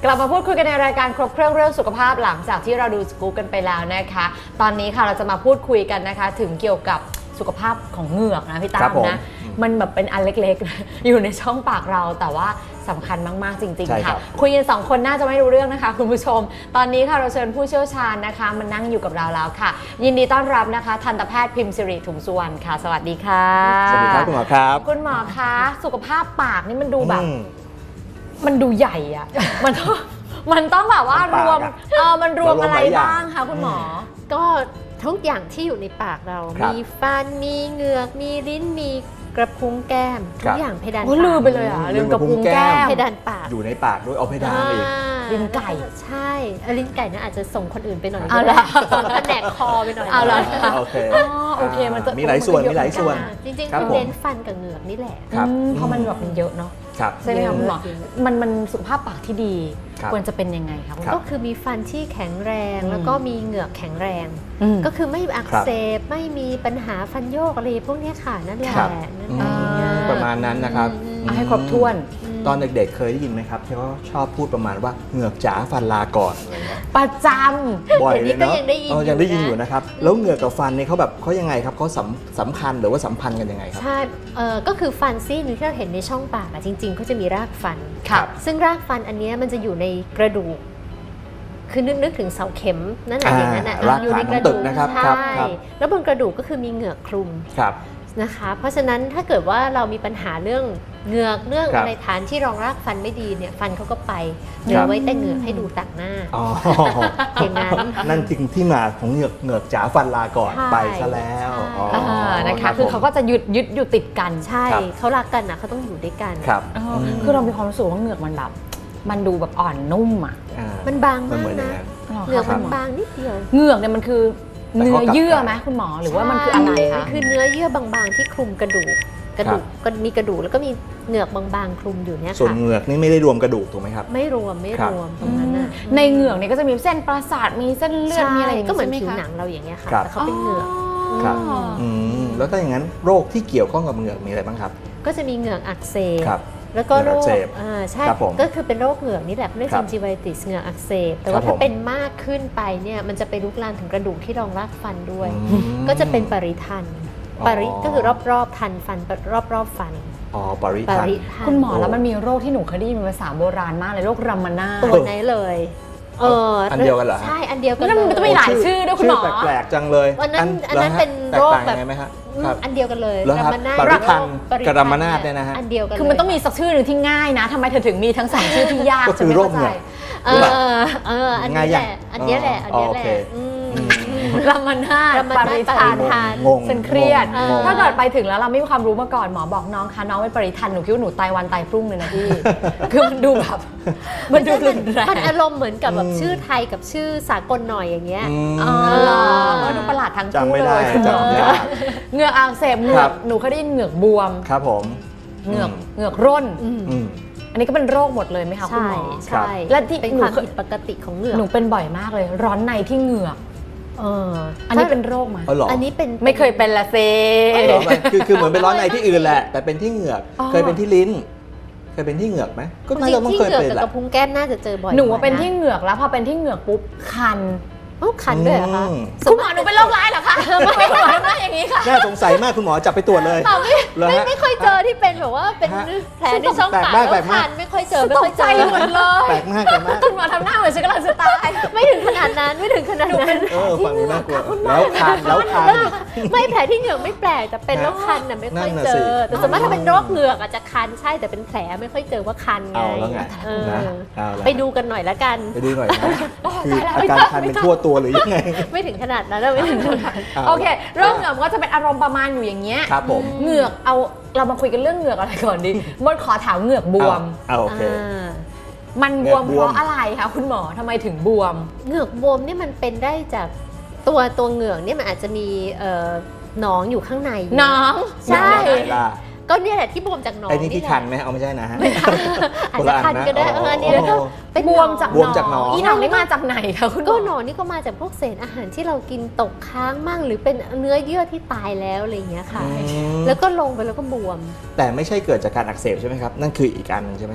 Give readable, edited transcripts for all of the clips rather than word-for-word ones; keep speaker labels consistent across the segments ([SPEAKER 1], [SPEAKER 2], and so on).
[SPEAKER 1] กลับมาพูดคุยกันในรายการครบเครื่องเรื่องสุขภาพหลังจากที่เราดูสกู๊ปกันไปแล้วนะคะตอนนี้ค่ะเราจะมาพูดคุยกันนะคะถึงเกี่ยวกับสุขภาพของเหงือกนะพี่ตามนะมันแบบเป็นอันเล็กๆ อยู่ในช่องปากเราแต่ว่าสำคัญมากๆจริงๆค่ะคุยกัน2คนน่าจะไม่รู้เรื่องนะคะคุณผู้ชมตอนนี้ค่ะเราเชิญผู้เชี่ยวชาญนะคะมานั่งอยู่กับเราแล้วค่ะยินดีต้อนรับนะคะทันตแพทย์พิมพ์สิริถุงสุวรรณค่ะสวัสดีค่ะ
[SPEAKER 2] สวัสดีครับคุณหมอครับ
[SPEAKER 1] คุณหมอคะสุขภาพปากนี่มันดูแบบมันดูใหญ่อะมันต้องแบบว่ารวมมันรวมอะไรบ้างคะคุณหมอ
[SPEAKER 3] ก็ทุกอย่างที่อยู่ในปากเรามีฟันมีเหงือกมีลิ้นมีกระพุ้งแก้มทุกอย่างเพดานปาก
[SPEAKER 1] ลืมไปเลยอ่ะลืมกระพุ้งแก้ม
[SPEAKER 3] เพดานปาก
[SPEAKER 2] อยู่ในปากด้วยเอาเพดานอีก
[SPEAKER 1] ลิ้นไก่
[SPEAKER 3] ใช่ลิ้นไก่น่าอาจจะส่งคนอื่นไปหน่อยส่งแผนกคอไปหน่อย
[SPEAKER 1] เอาละ
[SPEAKER 2] โอเค
[SPEAKER 1] โอเคมันจะ
[SPEAKER 2] มีหลายส่วนมีหลายส่วน
[SPEAKER 3] จริงๆคือเน้นฟันกับเหงือกนี่แหละ
[SPEAKER 1] เพราะมันแบบมันเยอะเนาะใช่ไหมคะคุณหมอมันสุขภาพปากที่ดีควรจะเป็นยังไงคะ
[SPEAKER 3] ก็คือมีฟันที่แข็งแรงแล้วก็มีเหงือกแข็งแรงก็คือไม่อักเสบไม่มีปัญหาฟันโยกอะไรพวกนี้ค่ะนั่นแหละ
[SPEAKER 2] ประมาณนั้นนะครับ
[SPEAKER 1] ให้ครบถ้วน
[SPEAKER 2] ตอนเด็กๆเคยได้ยินไหมครับที่เขาชอบพูดประมาณว่าเหงือกจ๋าฟันลาก่อนอะไรเงี้ย
[SPEAKER 1] ประจ
[SPEAKER 2] ำบ่อยเลยเนาะ
[SPEAKER 3] ยังได้
[SPEAKER 2] ยินอยู่นะครับแล้วเหงือกกับฟันนี่เขายังไงครับเขาสัมพันธ์หรือว่าสัมพันธ์กันยังไงครับ
[SPEAKER 3] ใช่ก็คือฟันซี่นึงที่เราเห็นในช่องปากจริงๆเขาจะมีรากฟันซึ่งรากฟันอันนี้มันจะอยู่ในกระดูกคือนึกถึงเสาเข็มนั่นแหละอย่างนั้น
[SPEAKER 2] อยู่ในกระดูกนะครับ
[SPEAKER 3] ใช่แล้วบนกระดูกก็คือมีเหงือกคลุมนะคะเพราะฉะนั้นถ้าเกิดว่าเรามีปัญหาเรื่องเหงือกเรื่องอะไรฐานที่รองรากฟันไม่ดีเนี่ยฟันเขาก็ไปเหลือไว้แต่เหงือกให้ดูต่างหน้าอย่างนั้น
[SPEAKER 2] นั่นจริงที่มาของเหงือกจ๋าฟันลาก่อนไปซะแล้ว
[SPEAKER 1] นะคะคือเขาก็จะยึดอยู่ติดกัน
[SPEAKER 3] ใช่เขารักกันนะเขาต้องอยู่ด้วยกัน
[SPEAKER 1] คือเรามีความรู้สึกว่าเหงือกมันแบบมันดูแบบอ่อนนุ่มอ่ะ
[SPEAKER 3] มันบางมากนะเหงือกมันบางนิดเดียว
[SPEAKER 1] เหงือกเนี่ยมันคือเนื้อเยื่อไหมคุณหมอหรือว่ามันคืออะไรคะ
[SPEAKER 3] คือเนื้อเยื่อบางๆที่คลุมกระดูกก็มีกระดูกแล้วก็มีเหงือกบางๆคลุมอยู่เนี่ยค่ะ
[SPEAKER 2] ส่วนเหงือกนี่ไม่ได้รวมกระดูกถูกไหมครับ
[SPEAKER 3] ไม่รวมตรงนั้นน่ะ
[SPEAKER 1] ในเหงือกเนี่ยก็จะมีเส้นประสาทมีเส้นเลือดมีอะไร
[SPEAKER 3] ก็เหมือนผิวหนังเราอย่างเงี้ยค่ะแต่เขาเป็นเหงือก
[SPEAKER 2] ครับแล้วถ้าอย่างนั้นโรคที่เกี่ยวข้องกับเหงือกมีอะไรบ้างครับ
[SPEAKER 3] ก็จะมีเหงือกอักเสบแล้วก็โรคใช่ก็คือเป็นโรคเหงือกนี่แหละเรียกซินจิไวติสเหงือกอักเสบแต่ว่าถ้าเป็นมากขึ้นไปเนี่ยมันจะไปลุกลามถึงกระดูกที่รองรากฟันด้วยก็จะเป็นปริทันก็คือรอบๆทันฟันรอบฟัน
[SPEAKER 2] ปริทัน
[SPEAKER 1] คุณหมอแล้วมันมีโรคที่หนูเคยได้ยินเป็นภาษาโบราณมากเลยโรครัมมานา
[SPEAKER 3] ตัวไหนเลย
[SPEAKER 2] อันเดียวกันเหรอ
[SPEAKER 3] ใช่อันเดียวกัน
[SPEAKER 1] มันจะมีหลายชื่อด้วยคุณหมอ
[SPEAKER 2] แปลกๆจังเลย
[SPEAKER 3] อันนั้นเป็นโรคแบบอันเดียวกันเลย
[SPEAKER 2] รัมมานาปริทันกับรัมมานาเนี่ยนะฮะ
[SPEAKER 3] อันเดียวกัน
[SPEAKER 1] คือมันต้องมีสักชื่อหนึ่งที่ง่ายนะทำไมเธอถึงมีทั้ง2ชื่อที่ยาก
[SPEAKER 2] ก็คือโรคเหงือก
[SPEAKER 3] อันนี้แหละอันนี้แหละ
[SPEAKER 1] รัมมานาปริทันฉันเครียดถ้าเกิดไปถึงแล้วเราไม่มีความรู้มาก่อนหมอบอกน้องคะน้องเป็นปริทันหนูคิดว่าหนูตายวันตายพรุ่งเลยนะพี่คือมันดูแบบมันดูรุนแรง
[SPEAKER 3] มันอารมณ์เหมือนกับแบบชื่อไทยกับชื่อสากลหน่อยอย่างเงี้ย
[SPEAKER 1] มันดูประหลาดทั้งคู่
[SPEAKER 2] เลย
[SPEAKER 1] เหงือกอักเสบเหงือกหนูเคยได้ยินเหงือกบวม
[SPEAKER 2] ครับผม
[SPEAKER 1] เหงือกร่นอันนี้ก็เป็นโรคหมดเลยไหมคะคุณหมอ
[SPEAKER 3] ใช่
[SPEAKER 1] และที่
[SPEAKER 3] เป็นความผิดปกติของเหงือก
[SPEAKER 1] หนูเป็นบ่อยมากเลยร้อนในที่เหงือกอันนี้เป็นโรคไหม
[SPEAKER 3] อันนี้เป็น
[SPEAKER 1] ไม่เคยเป็นละเซ
[SPEAKER 2] คือเหมือนเป็นร้อนในที่อื่นแหละแต่เป็นที่เหงือกเคยเป็นที่ลิ้นเคยเป็นที่เหงือกไหม
[SPEAKER 3] ก็น่าจะต้องเคยเป็นแหละกระพุ้งแก้มน่าจะเจอบ่อย
[SPEAKER 1] หนูเป็นที่เหงือกแล้วพอเป็นที่เหงือกปุ๊บคัน
[SPEAKER 3] คันด้วยเหรอคะ
[SPEAKER 1] คุณหมอหนูเป็นโรคร้ายเหรอคะไม่หมอไม่อย่างนี้ค่ะ
[SPEAKER 2] น่าสงสัยมากคุณหมอจับไปตรวจเลย
[SPEAKER 3] ไม่ค่อยเจอที่เป็นแบบว่าเป็นแผลในช่องปากแล้วคันไม่ค่อยเจอไม่ค่อยเจอ
[SPEAKER 1] หมดเลย
[SPEAKER 2] แปลกมาก
[SPEAKER 1] คุณหมอทำหน้าเหมือนฉันกำลังจะตาย
[SPEAKER 3] ไม่ถึงขนาดนั้น
[SPEAKER 2] ฟังน่ากลัวแล้วคัน
[SPEAKER 3] ไม่แผลที่เหงือกไม่แปลกแต่เป็นแล้วคันน่ะไม่ค่อยเจอแต่สมมติถ้าเป็นโรคเหงือกอาจจะคันใช่แต่เป็นแผลไม่ค่อยเจอว่าคันไงไปดูกันหน่อยละกัน
[SPEAKER 2] ไปดูหน่อยนะคืออาการคันเป็นทั่วตัวหรือยังไง
[SPEAKER 3] ไม่ถึงขนาดนั้นไม่ถึงขนาด
[SPEAKER 1] โอเคโรคเหงือกก็จะเป็นอารมณ์ประมาณอยู่อย่างเงี้ย
[SPEAKER 2] ครับผม
[SPEAKER 1] เหงือกเรามาคุยกันเรื่องเหงือกอะไรก่อนดีมดขอถามเหงือกบวม
[SPEAKER 2] โอเค
[SPEAKER 1] มันบวมเพราะอะไรคะคุณหมอทำไมถึงบวม
[SPEAKER 3] เหงือกบวมนี่มันเป็นได้จากตัวเหงือกนี่มันอาจจะมีหนองอยู่ข้างใน
[SPEAKER 1] หนอง
[SPEAKER 3] ใช่ก็เนี่ยแหละที่บวมจากหนอง
[SPEAKER 2] ไอ้นี่ที่คันไหมเอาไม่ใช่นะฮะ
[SPEAKER 3] อาจจะคันก็ได้นี่แล้วก็
[SPEAKER 1] บวมจากหนองอีหนองนี่มาจากไหนคะคุณ
[SPEAKER 3] ก็หนองนี่ก็มาจากพวกเศษอาหารที่เรากินตกค้างมั่งหรือเป็นเนื้อเยื่อที่ตายแล้วอะไรอย่างเงี้ยค่ะแล้วก็ลงไปแล้วก็บวม
[SPEAKER 2] แต่ไม่ใช่เกิดจากการอักเสบใช่ไหมครับนั่นคืออีกอันนึงใช่ไหมครับ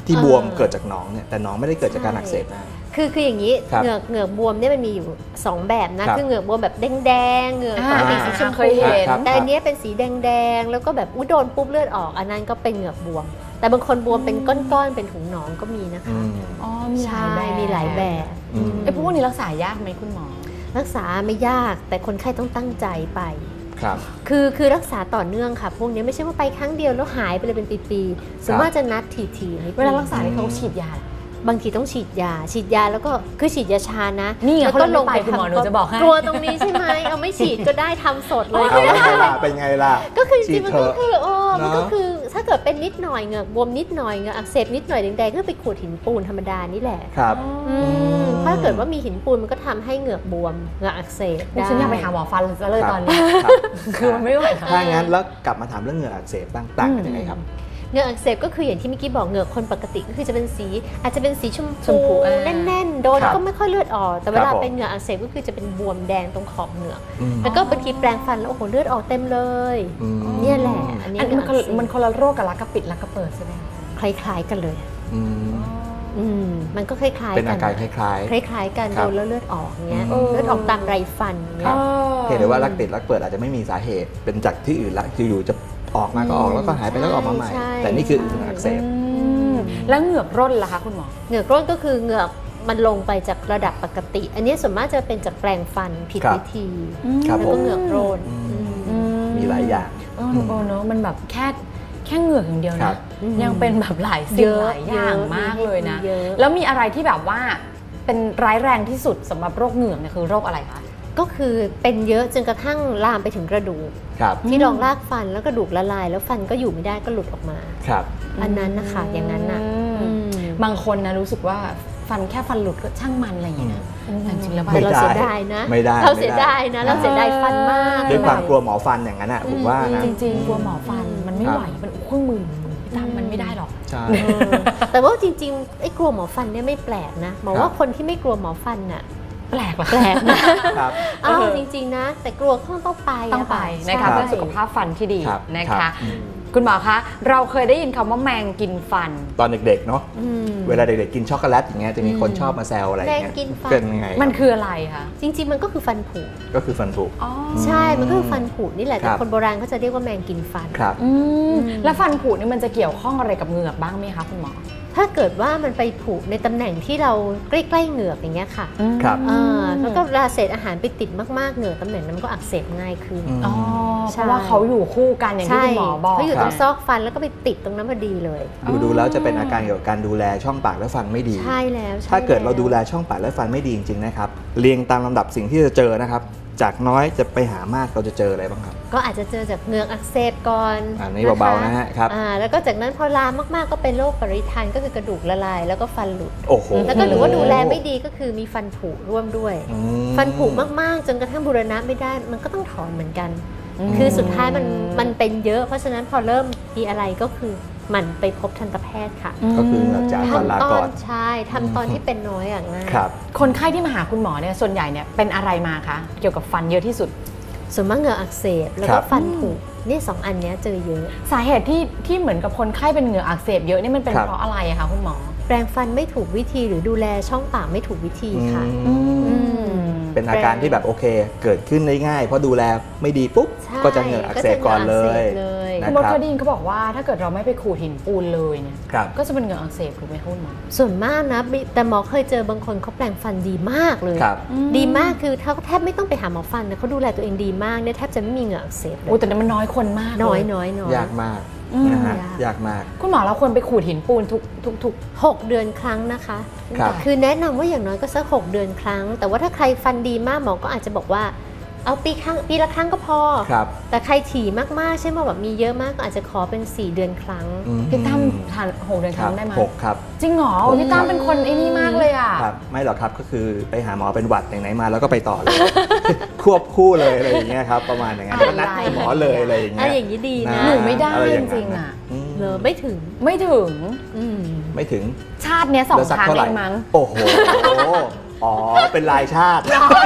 [SPEAKER 2] ที่บวมเกิดจากหนองเนี่ยแต่หนองไม่ได้เกิดจากการอักเสบนะ
[SPEAKER 3] คืออย่างนี้
[SPEAKER 2] ครับ
[SPEAKER 3] เหงือกบวมเนี่ยมันมีอยู่2แบบนะ
[SPEAKER 2] ครับ
[SPEAKER 3] คือเหงือกบวมแบบแดงๆเหงือกปกติสีชม
[SPEAKER 1] เค
[SPEAKER 3] พู
[SPEAKER 1] ยเห็น
[SPEAKER 3] แต่อันเนี้ยเป็นสีแดงๆแล้วก็แบบโดนปุ๊บเลือดออกอันนั้นก็เป็นเหงือกบวม แต่บางคนบวมเป็นก้อนๆเป็นถุงหนองก็มีนะคะ
[SPEAKER 1] อ๋อมีหลา
[SPEAKER 3] ใช่
[SPEAKER 1] ยแบบ
[SPEAKER 3] มีหลายแบบ
[SPEAKER 2] อืม
[SPEAKER 1] ไอ้พวกนี้รักษายากไหมคุณหมอ
[SPEAKER 3] รักษาไม่ยากแต่คนไข้ต้องตั้งใจไป
[SPEAKER 2] ครับ
[SPEAKER 3] คือรักษาต่อเนื่องค่ะ พวกนี้ไม่ใช่ว่าไปครั้งเดียวแล้วหายไปเลยเป็นปีๆส่วนมากจะนัดทีๆนิดนึง
[SPEAKER 1] เวลารักษาเขาฉีดยาเหรอบ
[SPEAKER 3] างทีต้องฉีดยาแล้วก็คือฉีดยาชานะ
[SPEAKER 1] นี่ไง
[SPEAKER 3] แล้ว
[SPEAKER 1] เขา
[SPEAKER 3] ก็
[SPEAKER 1] เลยไม่ไปคุณหมอหนูจะบอกให้
[SPEAKER 3] กลัวตรงนี้ใช่ไหมเอาไม่ฉีดก็ได้ทำสดเลย
[SPEAKER 2] เอาแล้วไงล่ะเป็นไงล่ะ
[SPEAKER 3] ก็คือจริงๆมัน
[SPEAKER 2] ฉี
[SPEAKER 3] ก็
[SPEAKER 2] ดเถอะ
[SPEAKER 3] คือมันก็
[SPEAKER 2] เนอะ
[SPEAKER 3] คือถ้าเกิดเป็นนิดหน่อยเหงือกบวมนิดหน่อยเหงือกอักเสบนิดหน่อยแดงๆก็ไปขูดหินปูนธรรมดานี่แหละ
[SPEAKER 2] ครับ
[SPEAKER 3] ถ้าเกิดว่ามีหินปูนมันก็ทำให้เหงือกบวมเหงือกอักเสบ
[SPEAKER 1] ดิฉันอยากไปหาหมอฟันเลยตอนนี้
[SPEAKER 2] ครับ
[SPEAKER 1] คือมันไม่ไหวแล้ว
[SPEAKER 2] ถ้างั้นแล้วกลับมาถามเรื่องเหงื่ออักเสบบ้างต่างกันยังไงครับ
[SPEAKER 3] เหงือกอักเสบก็คืออย่างที่เมื่อกี้บอกเหงือกคนปกติก็คือจะเป็นสีอาจจะเป็นสีชม
[SPEAKER 1] ชมพู
[SPEAKER 3] พูแน่นๆโดน
[SPEAKER 2] ครับ
[SPEAKER 3] ก็ไม่ค่อยเลือดออกแต่เว
[SPEAKER 2] ค
[SPEAKER 3] ลา
[SPEAKER 2] รับผม
[SPEAKER 3] เป็นเหงือกอักเสบก็คือจะเป็นบวมแดงตรงขอบเหงือก
[SPEAKER 2] อืม
[SPEAKER 3] แล้วก็บางทีแปรงฟันแล้วโอ้โหเลือดออกเต็มเลย
[SPEAKER 2] อืม
[SPEAKER 3] เนี่ยแหละอันนี้
[SPEAKER 1] อัน
[SPEAKER 3] เหงื
[SPEAKER 1] นี้
[SPEAKER 3] อกอักเสบ
[SPEAKER 1] มันคนละโรคกับรักกระปิดรักกระเปิดใช่ไหมคะ
[SPEAKER 3] คล้ายๆกันเลย
[SPEAKER 2] อืม
[SPEAKER 3] มันก็คล้ายๆ
[SPEAKER 2] เป็น
[SPEAKER 3] กั
[SPEAKER 2] อาการคล้าย
[SPEAKER 3] คล้ายๆกัน
[SPEAKER 2] ครั
[SPEAKER 3] โด
[SPEAKER 2] บ
[SPEAKER 3] นแล้วเลือดออกเงี้ย
[SPEAKER 2] อืม
[SPEAKER 3] เลือดออกตามไรฟัน
[SPEAKER 2] ค
[SPEAKER 3] เงี้
[SPEAKER 2] รั
[SPEAKER 3] ย
[SPEAKER 2] บ ๆเพียงแต่ว่ารักติดรักเปิดอาจจะไม่มีสาเหตุ เป็นจากที่อื่นละอยู่ๆจะออกมาก็ออกแล้วก็หายไปแล้วก็ออกมาใหม่
[SPEAKER 3] ใช่
[SPEAKER 2] แต่นี่คือเหงื่ออักเสบ
[SPEAKER 1] แล้วเหงือกร่นล่ะคะคุณหมอ
[SPEAKER 3] เหงือกร่นก็คือเหงือกมันลงไปจากระดับปกติ อันนี้ส่วนมากจะเป็นจากแปรงฟันผิด
[SPEAKER 2] ครับ
[SPEAKER 3] วิธี
[SPEAKER 2] ครับ
[SPEAKER 3] แล้ว
[SPEAKER 2] ผ
[SPEAKER 3] ก็
[SPEAKER 2] ม
[SPEAKER 3] เหงือกร่น
[SPEAKER 2] มีหลายอย่าง
[SPEAKER 1] เนอะมันแบบแค่เหงือกอย่างเดียว
[SPEAKER 2] ครั
[SPEAKER 1] นะ
[SPEAKER 2] บ
[SPEAKER 1] ยังเป็นแบบหลายสิ่งหลายอย่างมากเลยนะ
[SPEAKER 3] เยอะ
[SPEAKER 1] แล้วมีอะไรที่แบบว่าเป็นร้ายแรงที่สุดสำหรับโรคเหงือกเนี่ยคือโรคอะไรคะ
[SPEAKER 3] ก็คือเป็นเยอะจนกระทั่งลามไปถึงกระดูก
[SPEAKER 2] ครับ
[SPEAKER 3] ที่รองรากฟันแล้วกระดูกละลาย แล้วฟันก็อยู่ไม่ได้ก็หลุดออกมา
[SPEAKER 2] ครับ
[SPEAKER 3] อันนั้นนะคะอย่างนั้นน่ะ
[SPEAKER 1] บางคนนะรู้สึกว่าฟันแค่ฟันหลุดก็ช่างมันอะไรอย่างเงี้ยนะแต่จริงๆแล้ว
[SPEAKER 3] แต่เรา
[SPEAKER 2] ไม่ได้
[SPEAKER 3] เสียดายนะ
[SPEAKER 2] ไม่ได้
[SPEAKER 3] เราเสียดายนะ เราเสียดายฟันมาก
[SPEAKER 2] ด้วยความกลัวหมอฟันอย่างนั้นอ่ะผมว่านะ
[SPEAKER 1] จริงๆกลัวหมอฟันมันไม่
[SPEAKER 2] ครับ
[SPEAKER 1] ไหวมันเครื่องมือพี่ตั้มมันไม่ได้หรอก
[SPEAKER 2] ใช่
[SPEAKER 3] แต่ว่าจริงๆไอ้กลัวหมอฟันเนี่ยไม่แปลกนะหมอว่าคนที่ไม่กลัวหมอฟันน่ะ
[SPEAKER 1] แปลกเหรอ
[SPEAKER 3] แปลกนะครับ อ้าวจริงๆนะ แต่กลัวก็ต้องไป
[SPEAKER 1] ต้องไปนะคะ
[SPEAKER 3] ใช่
[SPEAKER 1] เพื่อสุขภาพฟันที่ดี
[SPEAKER 2] ครับ
[SPEAKER 1] นะ
[SPEAKER 2] ครั
[SPEAKER 1] คะ
[SPEAKER 2] บ
[SPEAKER 1] คุณหมอคะเราเคยได้ยินคำว่าแมงกินฟัน
[SPEAKER 2] ตอนเด็กๆเนาะ
[SPEAKER 3] อืม
[SPEAKER 2] เวลาเด็กๆกินช็อกโกแลตอย่างเงี้ยจะมีคนชอบมาแซวอะไรอย่างเงี้ย
[SPEAKER 3] แมงกินฟัน
[SPEAKER 2] เป็นยังไง
[SPEAKER 1] มันคืออะไรคะ
[SPEAKER 3] จริงๆมันก็คือฟันผุ
[SPEAKER 2] ก็คือฟันผุ
[SPEAKER 1] อ๋อ
[SPEAKER 3] ใช่ มันก็คือฟันผุนี่แหละ
[SPEAKER 2] ค
[SPEAKER 3] แต่
[SPEAKER 2] รับ
[SPEAKER 3] คนโบราณเขาจะเรียกว่าแมงกินฟัน
[SPEAKER 2] ครับ
[SPEAKER 1] แล้วฟันผุนี่มันจะเกี่ยวข้องอะไรกับเหงือกบ้างไหมคะคุณหมอ
[SPEAKER 3] ถ้าเกิดว่ามันไปผุในตำแหน่งที่เราใกล้ๆเหงือกอย่างเงี้ยค่ะ
[SPEAKER 2] ครับ
[SPEAKER 3] แล้วก็เวลาเศษอาหารไปติดมากๆเหงือกตำแหน่งนั้นมันก็อักเสบง่ายขึ้น
[SPEAKER 1] อ๋อ
[SPEAKER 3] ใช่
[SPEAKER 1] เพราะว่าเขาอยู่คู่กันอย่างที่คุณหมอบอก
[SPEAKER 3] เขาอยู่ตรง
[SPEAKER 2] ครับ
[SPEAKER 3] ซอกฟันแล้วก็ไปติดตรงนั้นพอดีเลย
[SPEAKER 2] ดูแล้วจะเป็นอาการเกี่ยวกับการดูแลช่องปากและฟันไม่ดี
[SPEAKER 3] ใช่แล้วใช่
[SPEAKER 2] ถ้าเกิดเรา
[SPEAKER 3] แล้ว
[SPEAKER 2] ดูแลช่องปากและฟันไม่ดีจริงๆนะครับเรียงตามลำดับสิ่งที่จะเจอนะครับ จากน้อยจะไปหามากเราจะเจออะไรบ้างครับ
[SPEAKER 3] ก็อาจจะเจอจากเหงือกอักเสบก่อน
[SPEAKER 2] อันนี้เบาๆนะฮะครับ
[SPEAKER 3] แล้วก็จากนั้นพอลามมากๆก็เป็นโรคปริทันก็คือกระดูกละลายแล้วก็ฟันหลุด
[SPEAKER 2] โอ้โห
[SPEAKER 3] แล้วก็หรือว่าดูแลไม่ดีก็คือมีฟันผุร่วมด้วย
[SPEAKER 2] อืม
[SPEAKER 3] ฟันผุมากๆจนกระทั่งบูรณะไม่ได้มันก็ต้องถอนเหมือนกัน คือสุดท้ายมันเป็นเยอะ เพราะฉะนั้นพอเริ่มมีอะไรก็คือหมันไปพบทันตแพทย์ค่ะ
[SPEAKER 2] ก็คือเหงือกจากฟันลา
[SPEAKER 3] ทำตอ
[SPEAKER 2] ก่อน น
[SPEAKER 3] ใช่ทำตอนที่เป็นน้อยอย่างง่าย
[SPEAKER 2] ครับ
[SPEAKER 1] คนไข้ที่มาหาคุณหมอเนี่ยส่วนใหญ่เนี่ยเป็นอะไรมาคะเกี่ยวกับฟันเยอะที่สุด
[SPEAKER 3] ส่วนมากเหงือกอักเสบแล้ว
[SPEAKER 2] ครั
[SPEAKER 3] ก็
[SPEAKER 2] บ
[SPEAKER 3] ฟันผุเนี่ยสองอันเนี้ยเจอเยอะ
[SPEAKER 1] สาเหตุที่เหมือนกับคนไข้เป็นเหงือกอักเสบเยอะนี่มันเป็น
[SPEAKER 2] ครับ
[SPEAKER 1] เพราะอะไรอะคะคุณหมอ
[SPEAKER 3] แปรงฟันไม่ถูกวิธีหรือดูแลช่องปากไม่ถูกวิธีค่ะ
[SPEAKER 2] อืม
[SPEAKER 3] อืม
[SPEAKER 2] เป็นอาการที่แบบโอเค เกิดขึ้นได้ง่ายเพราะดูแลไม่ดีปุ๊บ
[SPEAKER 3] ใช่
[SPEAKER 2] ก็จะเหงือกอักเสบก่อนเลย
[SPEAKER 3] ก็จะเหงือกอักเสบเลย
[SPEAKER 2] นะ
[SPEAKER 1] คุณมด
[SPEAKER 2] ครับ
[SPEAKER 1] เคยได้ยินเขาบอกว่าถ้าเกิดเราไม่ไปขูดหินปูนเลยเนี่ย
[SPEAKER 2] ครับ
[SPEAKER 1] ก็จะเป็นเหงือกอักเสบถูกไหมคะคุณหมอ
[SPEAKER 3] ส่วนมากนะแต่หมอเคยเจอบางคนเขาแปรงฟันดีมากเลย
[SPEAKER 2] ครับ
[SPEAKER 3] ดีมากคือเขาแทบไม่ต้องไปหาหมอฟันนะเขาดูแลตัวเองดีมากเนี่ยแทบจะไม่มีเหงือกอักเสบเลย
[SPEAKER 1] โอ้แต่มันน้อยคนมากเลย
[SPEAKER 3] น้อย
[SPEAKER 2] ยากมาก
[SPEAKER 1] อืม
[SPEAKER 2] นะฮะ
[SPEAKER 3] ยาก
[SPEAKER 2] ยากมาก
[SPEAKER 1] คุณหมอเราควรไปขูดหินปูนทุก
[SPEAKER 3] 6 เดือนครั้งนะคะ
[SPEAKER 2] ครับ
[SPEAKER 3] คือแนะนำว่าอย่างน้อยก็สัก6 เดือนครั้ง แต่ว่าถ้าใครฟันดีมากหมอก็อาจจะบอกว่าเอาปีละครั้งก็พอ
[SPEAKER 2] ครับ
[SPEAKER 3] แต่ใครถี่มากๆใช่ไหมแบบมีเยอะมากก็อาจจะขอเป็น4 เดือนครั้ง
[SPEAKER 2] อืม
[SPEAKER 1] พี่ตั้มทาน6 เดือนค
[SPEAKER 2] ค
[SPEAKER 1] รั้
[SPEAKER 2] รับ
[SPEAKER 1] งได้ไหม
[SPEAKER 2] 6ครับ
[SPEAKER 1] จริงเหรอพี่ตั้มเป็นคนไอ้นี่มากเลยอ่ะ
[SPEAKER 2] ครับไม่หรอกครับก็คือไปหาหมอเป็นหวัดอย่างไหนมาแล้วก็ไปต่อเลย ควบคู่เลยอะไรอย่างเงี้ยครับประมาณอย่างนั้น
[SPEAKER 1] อะไร
[SPEAKER 2] ก็นัดให้หมอเลยอะไรอย่างเงี้ย
[SPEAKER 3] อย่างนี้ดีนะ
[SPEAKER 1] หนูไม่ได้
[SPEAKER 2] อะรอย่า
[SPEAKER 1] จริงๆอะ
[SPEAKER 2] อืม
[SPEAKER 3] เลยไม่ถึง
[SPEAKER 1] ไม่ถึง
[SPEAKER 3] อืม
[SPEAKER 2] ไม่ถึง
[SPEAKER 1] ชาติเนี้ย2
[SPEAKER 2] แล้วสัก
[SPEAKER 1] ครั้ง
[SPEAKER 2] เท่าไห
[SPEAKER 1] เอ
[SPEAKER 2] ร่
[SPEAKER 1] งมั้ง
[SPEAKER 2] โอ้โหอ๋อเป็นรายชาติ
[SPEAKER 1] รอเล่น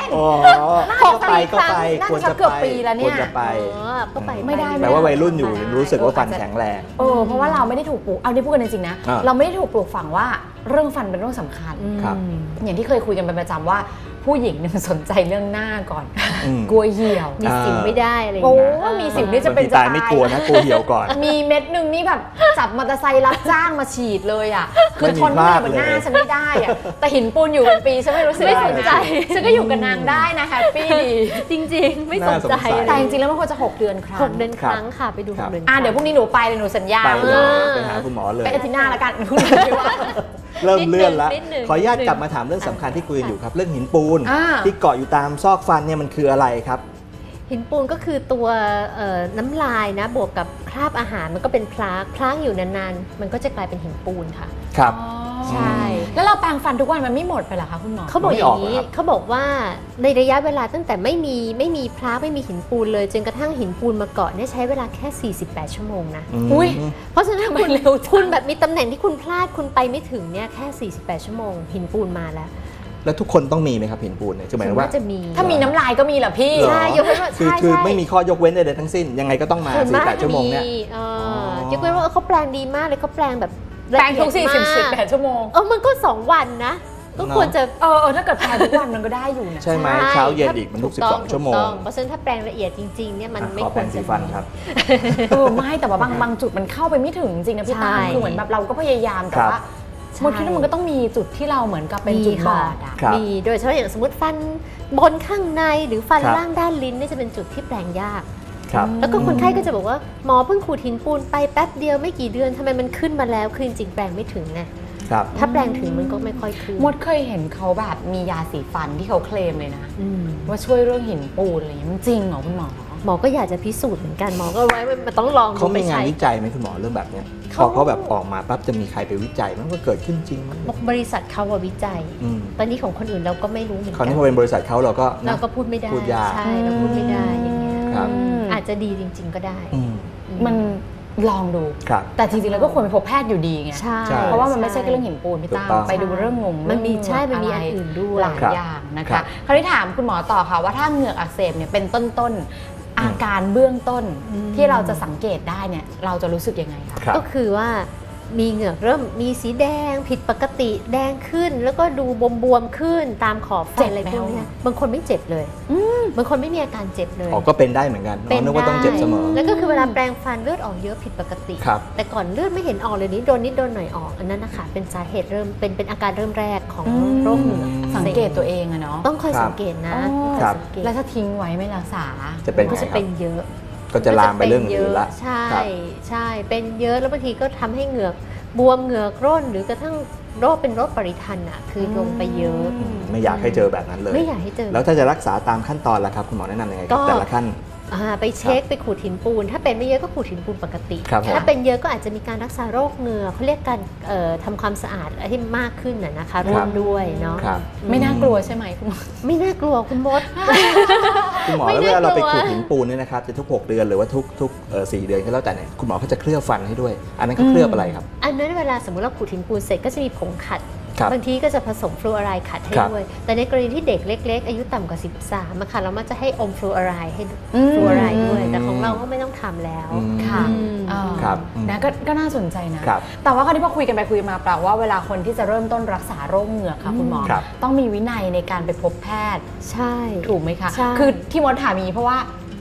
[SPEAKER 2] อ๋อ
[SPEAKER 1] น่า
[SPEAKER 2] ก็
[SPEAKER 1] จะ
[SPEAKER 2] ไปก็ไป
[SPEAKER 1] น่า
[SPEAKER 2] ควร
[SPEAKER 1] จะ
[SPEAKER 2] จะ
[SPEAKER 1] เกือบ
[SPEAKER 2] ไป
[SPEAKER 1] ปีแล้วเนี่ย
[SPEAKER 2] ควรจะไป
[SPEAKER 3] ก็ไป
[SPEAKER 1] ไม่ได้
[SPEAKER 2] แปลว่าวัยรุ่นอยู่รู้สึกว่าฟันแข็งแรง
[SPEAKER 1] เพราะว่าเราไม่ได้ถูกปลูกเอาได้พูดกันจริงๆนะ
[SPEAKER 2] อ่า
[SPEAKER 1] เราไม่ได้ถูกปลูกฝังว่าเรื่องฟันเป็นเรื่องสำคัญ
[SPEAKER 2] ครับ
[SPEAKER 1] อย่างที่เคยคุยกันเป็นประจำว่าผู้หญิงเนี่ยสนใจเรื่องหน้าก่อน
[SPEAKER 2] อืม
[SPEAKER 1] กลัวเหี่ยว
[SPEAKER 3] มีสิวไม่ได้อะไรอย่าง
[SPEAKER 1] โอ้
[SPEAKER 3] เงี้ย
[SPEAKER 1] มีสิวนี่จะ
[SPEAKER 2] บาง
[SPEAKER 1] เป็น
[SPEAKER 2] ที
[SPEAKER 1] จะ
[SPEAKER 2] ตายไม่กลัวนะกลัวเหี่ยวก่อน
[SPEAKER 1] มีเม็ดหนึ่งนี่แบบจับมอเตอร์ไซค์รับจ้างมาฉีดเลยอ่ะคือทน
[SPEAKER 2] ไม่
[SPEAKER 1] ไม่
[SPEAKER 2] มี
[SPEAKER 1] ได้
[SPEAKER 2] พลาด
[SPEAKER 1] บนหน้า
[SPEAKER 2] เลย
[SPEAKER 1] ฉันไม่ได้อ่ะแต่หินปูนอยู่เป็นปีฉันไม่รู้สึก
[SPEAKER 3] ไม่
[SPEAKER 1] อะไร
[SPEAKER 3] สนใจ
[SPEAKER 1] นะฉันก็อยู่กับนางได้นะแฮปปี้ดี
[SPEAKER 3] จริงๆ ไม่สนใจ
[SPEAKER 2] น่าสงสัย
[SPEAKER 1] แต่จริงๆแล้วมันควรจะ6 เดือนครั้ง
[SPEAKER 3] 6 เดือนครั้งค่ะไปดู
[SPEAKER 2] ครั
[SPEAKER 3] 6
[SPEAKER 2] บ
[SPEAKER 3] เดือน
[SPEAKER 1] เดี๋ยวพรุ่งนี้หนูไปเลยหนูสัญญา
[SPEAKER 2] ไปเลย
[SPEAKER 1] ว่า
[SPEAKER 2] ไปหาคุณหมอเลย
[SPEAKER 1] ไปอาทิตย์หน้าแล้วกันพรุ่งนี้ไม่ว่า
[SPEAKER 2] เริ่มเลื่อนแล้ว
[SPEAKER 3] นิดหนึ่ง
[SPEAKER 2] ขออนุญาตกลับมาถามเรื่องสำคัญที่คุยกันอยู่ครับ เรื่องหินปูน
[SPEAKER 1] อ่า
[SPEAKER 2] ที่เกาะอยู่ตามซอกฟันเนี่ยมันคืออะไรครับ
[SPEAKER 3] หินปูนก็คือตัวน้ำลายนะบวกกับคราบอาหารมันก็เป็นพลากอยู่นานๆมันก็จะกลายเป็นหินปูนค่ะ
[SPEAKER 2] ครับ
[SPEAKER 3] ใช่
[SPEAKER 1] แล้วเราแปรงฟันทุกวันมันไม่หมดไปเหรอคะคุณหมอ
[SPEAKER 3] เขาบอก
[SPEAKER 2] ไม่
[SPEAKER 3] อ
[SPEAKER 2] ออก
[SPEAKER 3] ย่างนี้
[SPEAKER 2] เหรอครับ
[SPEAKER 3] เขาบอกว่าในระยะเวลาตั้งแต่ไม่มีพลาไม่มีหินปูนเลยจนกระทั่งหินปูนมาเกาะเนี่ยใช้เวลาแค่ 48 ชั่วโมงนะ
[SPEAKER 2] ม
[SPEAKER 1] อุ๊ย
[SPEAKER 3] เพราะฉะนั้น
[SPEAKER 1] ทำไม
[SPEAKER 3] คุณ
[SPEAKER 1] เร็วจัง
[SPEAKER 3] คุณแบบมีตำแหน่งที่คุณพลาดคุณไปไม่ถึงเนี่ยแค่ 48 ชั่วโมงหินปูนมาแล้ว
[SPEAKER 2] แล้วทุกคนต้องมีไหมครับหินปูนเนี่ยคือหมายถึงว่า
[SPEAKER 3] ส่วนมกจะมี
[SPEAKER 1] ถ้ามีน้ำลายก็มีเหรอพี่
[SPEAKER 2] เหรอ
[SPEAKER 3] ใช่ยกเว้นว่า
[SPEAKER 2] คือ
[SPEAKER 3] ใช่
[SPEAKER 2] คือ
[SPEAKER 3] ใช่
[SPEAKER 2] ไม่มีข้อยกเว้นใดๆทั้งสิ้น ยังไงก็ต้องมา
[SPEAKER 3] ส่วนมาก
[SPEAKER 2] 48ชั่วโมงเนี่ย
[SPEAKER 3] ยกเว้นว่าเขาแปลงดีมากเลยเขาแปลงแบบ
[SPEAKER 1] แปรงทุก
[SPEAKER 3] ละเอียดมาก
[SPEAKER 1] 48 ชั่วโมง
[SPEAKER 3] มันก็ 2 วันนะ ก็ควรจะ
[SPEAKER 1] ถ้าเกิดแปรงทุกวันมันก็ได้อยู่นะ
[SPEAKER 2] ใช่ไหมเช้าเย็นอีกมันทุก
[SPEAKER 3] ถูต้อง
[SPEAKER 2] 12 ชั่วโมง
[SPEAKER 3] ถูกต้องเพราะฉะนั้นถ้าแปลงละเอียดจริงๆเนี่ยมันไม่
[SPEAKER 2] ขอ
[SPEAKER 3] ค
[SPEAKER 2] แปร
[SPEAKER 3] วรง
[SPEAKER 2] สี
[SPEAKER 3] จะ
[SPEAKER 2] ฟันครับ
[SPEAKER 1] ไม่แต่ว่าบางจุดมันเข้าไปไม่ถึงจริงนะพี่ตั้ม
[SPEAKER 3] ใช่
[SPEAKER 1] คือเหมือนแบบเราก็พยายามแต่
[SPEAKER 2] ครับ
[SPEAKER 1] ว่ามันคิดว่ามันก็ต้องมีจุดที่เราเหมือนกับเป็นจุดบอดอ่ะ
[SPEAKER 2] ครับ
[SPEAKER 3] มีโดยเฉพาะอย่างสมมติฟันบนข้างในหรือฟัน
[SPEAKER 2] ครับ
[SPEAKER 3] ล่างด้านลิ้นนี่จะเป็นจุดที่แปลงยาก
[SPEAKER 2] ครับ
[SPEAKER 3] แล้วก็คนไข้ก็จะบอกว่าหมอเพิ่งขูดหินปูนไปแป๊บเดียวไม่กี่เดือนทำไมมันขึ้นมาแล้วคือจริงๆแปลงไม่ถึงไง
[SPEAKER 2] ครับ
[SPEAKER 3] ถ้าแปลงถึงมันก็ไม่ค่อยขึ้น
[SPEAKER 1] มดเคยเห็นเขาแบบมียาสีฟันที่เขาเคลมเลยนะ
[SPEAKER 3] อืม
[SPEAKER 1] ว่าช่วยเรื่องหินปูนอะไรอย่างเงี้ยมันจริงเหรอคุณหมอ
[SPEAKER 3] หมอก็อยากจะพิสูจน์เหมือนกันหมอก็ไว้มันต้องลอง
[SPEAKER 2] เขา
[SPEAKER 3] ดูไป
[SPEAKER 2] มีงาน
[SPEAKER 3] ใช้
[SPEAKER 2] วิจัยไหมคุณหมอเรื่องแบบเนี้ยพ
[SPEAKER 3] เขา
[SPEAKER 2] อเขาแบบออกมาปั๊บจะมีใครไปวิจัยมันก็เกิดขึ้นจริงมั้ย
[SPEAKER 3] บริษัทเขาว่าวิจัย
[SPEAKER 2] อืม
[SPEAKER 3] ตอนนี้ของคนอื่นเราก็ไม่รู้เหมือน
[SPEAKER 2] คราว
[SPEAKER 3] กั
[SPEAKER 2] นี้พอเป็นบริษัทเขาเราก็นะ
[SPEAKER 3] เราก็พูดไม่ได้
[SPEAKER 2] พูดยาก
[SPEAKER 3] ใช่เราพูดไม่ได้อย่างเงี้ย
[SPEAKER 2] ครับ
[SPEAKER 3] อาจจะดีจริง ๆ ก็ได้
[SPEAKER 2] อืม
[SPEAKER 1] มันลองดู
[SPEAKER 2] ครับ
[SPEAKER 1] แต่จริงๆแล้วก็ควรไปพบแพทย์อยู่ดีไง
[SPEAKER 3] ใช่
[SPEAKER 2] ใช่
[SPEAKER 1] เพราะว่ามันไม่ใช่แค่เรื่องหินปูนพี่ตั้ม
[SPEAKER 2] ถูกต้อง
[SPEAKER 1] ไปดูเรื่องงง
[SPEAKER 3] มันมี
[SPEAKER 1] เรื่อง
[SPEAKER 3] ใช่มันมี
[SPEAKER 1] ะ
[SPEAKER 3] อั
[SPEAKER 1] ไร
[SPEAKER 3] นอื่นด้วย
[SPEAKER 1] หลาย
[SPEAKER 2] ครับ
[SPEAKER 1] อย่างนะ
[SPEAKER 2] ครั
[SPEAKER 1] คะ
[SPEAKER 2] บ
[SPEAKER 1] คราวนี้ถามคุณหมอต่อค่ะว่าถ้าเหงือกอักเสบเนี่ยเป็นต้นอาการเบื้องต้น
[SPEAKER 3] อืม
[SPEAKER 1] ที่เราจะสังเกตได้เนี่ยเราจะรู้สึกยังไงคะ
[SPEAKER 2] ครับ
[SPEAKER 3] ก็คือว่ามีเหงือกเริ่มมีสีแดงผิดปกติแดงขึ้น แล้วก็ดูบวมๆขึ้นตามขอบฟันอะไรพวกเนี้ยบางคนไม่เจ็บเลยบางคนไม่มีอาการเจ็บเลย
[SPEAKER 2] อ๋อก็เป็นได้เหมือนกันอ๋อนึกว่าต้องเจ็บเสมอ
[SPEAKER 3] แล้วก็คือเวลาแปรงฟันเลือดออกเยอะผิดปกติ
[SPEAKER 2] ครับ
[SPEAKER 3] แต่ก่อนเลือดไม่เห็นออกเลยนิดโดนหน่อยออกอันนั้นนะคะเป็นสาเหตุเริ่มเป็นอาการเริ่มแรกของโรคเหงือกอั
[SPEAKER 1] สัง
[SPEAKER 3] สบ
[SPEAKER 1] เกตตัวเองอะเนาะ
[SPEAKER 3] ต้องคอย
[SPEAKER 2] ครับ
[SPEAKER 3] สังเกตนะ
[SPEAKER 1] อ๋อ
[SPEAKER 3] ต้องคอยสังเกต
[SPEAKER 1] แล้วถ้าทิ้งไว้ไม่รักษา
[SPEAKER 2] จะเป็น
[SPEAKER 3] ก็
[SPEAKER 2] ไง
[SPEAKER 3] จะ
[SPEAKER 2] ครั
[SPEAKER 3] เป็
[SPEAKER 2] บ
[SPEAKER 3] นเยอะ
[SPEAKER 2] ก็จะลามไปเรื่องอื่นละ
[SPEAKER 3] ใช่
[SPEAKER 2] ครับ
[SPEAKER 3] ใช่เป็นเยอะแล้วบางทีก็ทำให้เหงือกบวมเหงือกร่นหรือกระทั่งโรคเป็นโรคปริทันอ่ะคือลงไปเยอะ
[SPEAKER 2] ไม่อยากให้เจอแบบนั้นเลย
[SPEAKER 3] ไม่อยากให้เจอ
[SPEAKER 2] แล้วถ้าจะรักษาตามขั้นตอนล่ะครับคุณหมอแนะนำยังไงครับ
[SPEAKER 3] ก็
[SPEAKER 2] แต่ละขั้น
[SPEAKER 3] ไปเช็คไปขูดหินปูน ถ้าเป็นไม่เยอะก็ขูดหินปูนปกติ
[SPEAKER 2] ครับผม
[SPEAKER 3] ถ้าเป็นเยอะก็อาจจะมีการรักษาโรคเหงือกเขาเรียกการทำความสะอาดให้มากขึ้นนะคะร่วมด้วยเนาะ
[SPEAKER 2] ครับ
[SPEAKER 1] ไม่น่ากลัวใช่ไหมคุณหมอ
[SPEAKER 3] ไม่น่ากลัวคุณมด
[SPEAKER 2] คุณหมอ
[SPEAKER 3] ไม่
[SPEAKER 2] แล้วเวลาเราไป
[SPEAKER 3] น่ากลัว
[SPEAKER 2] ขูดหินปูนเนี่ยนะครับจะทุก 6 เดือนหรือว่าทุก4 เดือนก็แล้วแต่เนี่ยคุณหมอเขาจะเคลือบฟันให้ด้วย อันนั้นเขาเคลือบอะไรครับ
[SPEAKER 3] อันนั้นเวลาสมมติเราขูดหินปูนเสร็จก็จะมีผงขัด
[SPEAKER 2] ครับ
[SPEAKER 3] บางทีก็จะผสมฟลูออไรด์ขัดให้
[SPEAKER 2] ครับ
[SPEAKER 3] ด้วย แต่ในกรณีที่เด็กเล็ก ๆ อายุต่ำกว่า 13อะค่ะเรามักจะให้อมฟลูออไรด์ให้
[SPEAKER 1] อืม
[SPEAKER 3] ฟลูออไรด์ด้วย แต่ของเราก็ไม่ต้องทำแล้ว
[SPEAKER 2] อืม
[SPEAKER 1] ค่ะ
[SPEAKER 3] อืม
[SPEAKER 2] ครับ
[SPEAKER 1] นะก็น่าสนใจนะ
[SPEAKER 2] ครับ
[SPEAKER 1] แต่ว่าคราวนี้พอคุยกันไปคุยมาแปลว่าเวลาคนที่จะเริ่มต้นรักษาโรคเหงือกค่ะคุณหมอ
[SPEAKER 2] ครับ
[SPEAKER 1] ต้องมีวินัยในการไปพบแพทย์
[SPEAKER 3] ใช่
[SPEAKER 1] ถูกไหมคะ
[SPEAKER 3] ใช่
[SPEAKER 1] คือที่มดถามอย่างนี้เพราะว่า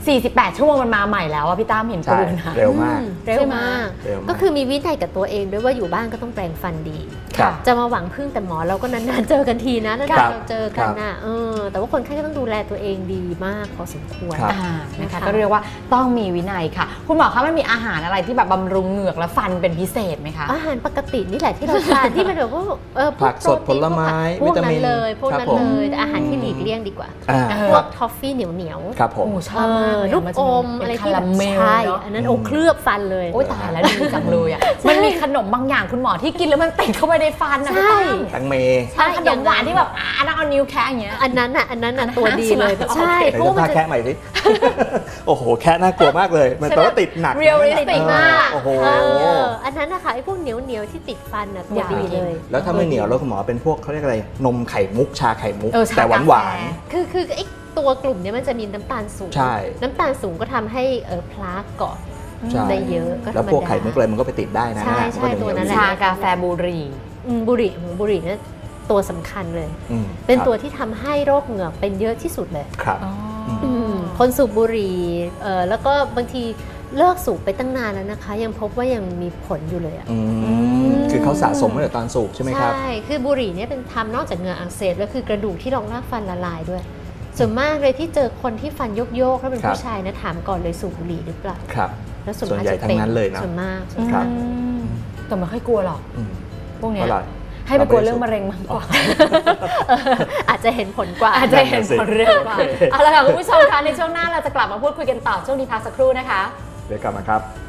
[SPEAKER 1] 48 ชั่วโมงมันมาใหม่แล้วอะพี่ตั้มเห็น
[SPEAKER 2] ใช่
[SPEAKER 1] ปูนอะ
[SPEAKER 2] เร็วมาก
[SPEAKER 3] เร็วมาก
[SPEAKER 2] เร็วมาก
[SPEAKER 3] ก็คือมีวินัยกับตัวเองด้วยว่าอยู่บ้านก็ต้องแปรงฟันดี
[SPEAKER 2] ครับ
[SPEAKER 3] จะมาหวังพึ่งแต่หมอเราก็นานๆเจอกันทีนะนาน
[SPEAKER 2] ครับ
[SPEAKER 3] ๆเราเจอกันน่ะแต่ว่าคนไข้ก็ต้องดูแลตัวเองดีมากพอสมควร
[SPEAKER 2] ครับ
[SPEAKER 1] นะคะก็เรียกว่าต้องมีวินัยค่ะ คุณหมอคะมันมีอาหารอะไรที่แบบบำรุงเหงือกและฟันเป็นพิเศษไหมคะ
[SPEAKER 3] อาหารปกตินี่แหละที่เราทาน ที่มันแบบว่าพว
[SPEAKER 2] ผักสดผลไม้
[SPEAKER 3] พวก
[SPEAKER 2] วิตา
[SPEAKER 3] นั้
[SPEAKER 2] มิ
[SPEAKER 3] น
[SPEAKER 2] น
[SPEAKER 3] เลยพวก
[SPEAKER 2] ครับ
[SPEAKER 3] นั้น
[SPEAKER 2] ผม
[SPEAKER 3] เลยแต่อาหารที่หลีกเลี่ยงดีกว่า
[SPEAKER 2] อ่า
[SPEAKER 1] เออ
[SPEAKER 3] พ
[SPEAKER 2] คว รั
[SPEAKER 3] ก
[SPEAKER 2] บ
[SPEAKER 3] ทอฟฟี่เหนียว
[SPEAKER 2] ครับผม
[SPEAKER 1] โอ้ชอบมากเลย
[SPEAKER 3] ลูก
[SPEAKER 1] มัน
[SPEAKER 3] อ
[SPEAKER 1] จะ
[SPEAKER 3] ม
[SPEAKER 1] เป็น
[SPEAKER 3] อะไร
[SPEAKER 1] คา
[SPEAKER 3] ที่แบ
[SPEAKER 1] รา
[SPEAKER 3] บ
[SPEAKER 1] เมล
[SPEAKER 3] ใช่
[SPEAKER 1] เนาะ
[SPEAKER 3] อันนั้นโอ้เคลือบฟันเลย
[SPEAKER 1] โอ้ยตายแล้วดีจังเลยอ่ะมันมีขนมบางอย่างคุณหมอที่กินแล้วมันติดเข้าไปในฟันนะพี่
[SPEAKER 3] ใช่
[SPEAKER 1] ตั้ม
[SPEAKER 2] แตังเม
[SPEAKER 3] ใช่
[SPEAKER 1] ขนมหวานที่แบบต้องเอานิ้วแคะอย่างเงี้ย
[SPEAKER 3] อันนั้นน่ะตัวดีเลย
[SPEAKER 1] ใช่ไหม
[SPEAKER 3] ใช่
[SPEAKER 2] ไหน
[SPEAKER 3] เพราะ
[SPEAKER 2] จะ
[SPEAKER 3] ว่ามั
[SPEAKER 2] พาน
[SPEAKER 3] จะ
[SPEAKER 2] แคะใหม่สิ โอ้โห แคะน่ากลัวมากเลย มันแปลว่าติดหนัก
[SPEAKER 1] Realistic
[SPEAKER 2] มาก
[SPEAKER 1] มาก
[SPEAKER 2] โอ้โห
[SPEAKER 3] อัอันนั้นนะคะไอ้พวกเหนียวที่ติดฟันน่ะตัว
[SPEAKER 1] อย่า
[SPEAKER 3] ดี
[SPEAKER 1] ไปกิน
[SPEAKER 3] เลย
[SPEAKER 2] แล้วถ้าไม่เหนียวแล้วคุณหมอเป็นพวกเขาเรียกอะไรนมไข่มุกชาไข่มุก
[SPEAKER 1] เออชา
[SPEAKER 2] แต่หวาน
[SPEAKER 1] กาแฟ
[SPEAKER 2] หวาน
[SPEAKER 3] คือไอ้ตัวกลุ่มเนี้ยมันจะมีน้ำตาลสูง
[SPEAKER 2] ใช่
[SPEAKER 3] น้ำตาลสูงก็ทำให้พลาสเกาะ
[SPEAKER 2] ใช่
[SPEAKER 3] ได้เยอะก็ธรรมดา
[SPEAKER 2] แล้วพวกไข่มุกอะไรมันก็ไปติดได้นะ
[SPEAKER 3] ใช่
[SPEAKER 2] มั
[SPEAKER 3] ใช่
[SPEAKER 2] ก็จะ
[SPEAKER 3] ตัวนั้น
[SPEAKER 2] เห
[SPEAKER 3] แห
[SPEAKER 2] ยว
[SPEAKER 3] ละ
[SPEAKER 1] ชากาแฟบุหรี่
[SPEAKER 3] บุหรี่เนี่ยตัวสำคัญเลย
[SPEAKER 2] อืม
[SPEAKER 3] เป็น
[SPEAKER 2] ครับ
[SPEAKER 3] ตัวที่ทำให้โรคเหงือกเป็นเยอะที่สุดเลย
[SPEAKER 2] ครับ
[SPEAKER 3] คนสูบบุหรี่แล้วก็บางทีเลิกสูบไปตั้งนานแล้วนะคะ ยังพบว่ายังมีผลอยู่เลยอะ
[SPEAKER 2] คือเขาสะสมมาตั้งแต่ตอนสูบใช่ไหมครับ
[SPEAKER 3] ใช่ คือบุหรี่เนี่ยเป็นทำนอกจากเหงือกอักเสบแล้วคือกระดูกที่รองรากฟันละลายด้วย ส่วนมากเลยที่เจอคนที่ฟันโยกๆถ้าเป็น
[SPEAKER 2] ครับ
[SPEAKER 3] ผู้ชายนะถามก่อนเลยสูบบุหรี่หรือเปล่า
[SPEAKER 2] ครับ
[SPEAKER 3] แล้วส่วน
[SPEAKER 2] ส่วน
[SPEAKER 3] มาก
[SPEAKER 2] ใหญ่
[SPEAKER 3] จะ
[SPEAKER 2] ทั้
[SPEAKER 3] เป็น
[SPEAKER 2] งนั้นเลยนะ
[SPEAKER 3] ส่วนมาก
[SPEAKER 2] ครับ
[SPEAKER 1] แต่ไม่ค่อยกลัวหรอก
[SPEAKER 2] อืม
[SPEAKER 1] พวกเนี้ย
[SPEAKER 2] เพราะอะไร
[SPEAKER 1] ให้ไปกลัวเรื่องมะเร็งมากกว่า
[SPEAKER 3] อาจจะเห็นผลกว่า
[SPEAKER 1] อาจจะเห็นผลเร็วกว่าเอาละค่ะคุณผู้ชมคะในช่วงหน้าเราจะกลับมาพูดคุยกันต่อช่วงนี้พักสักครู่นะคะ
[SPEAKER 2] เดี๋ยวกลับมาครับ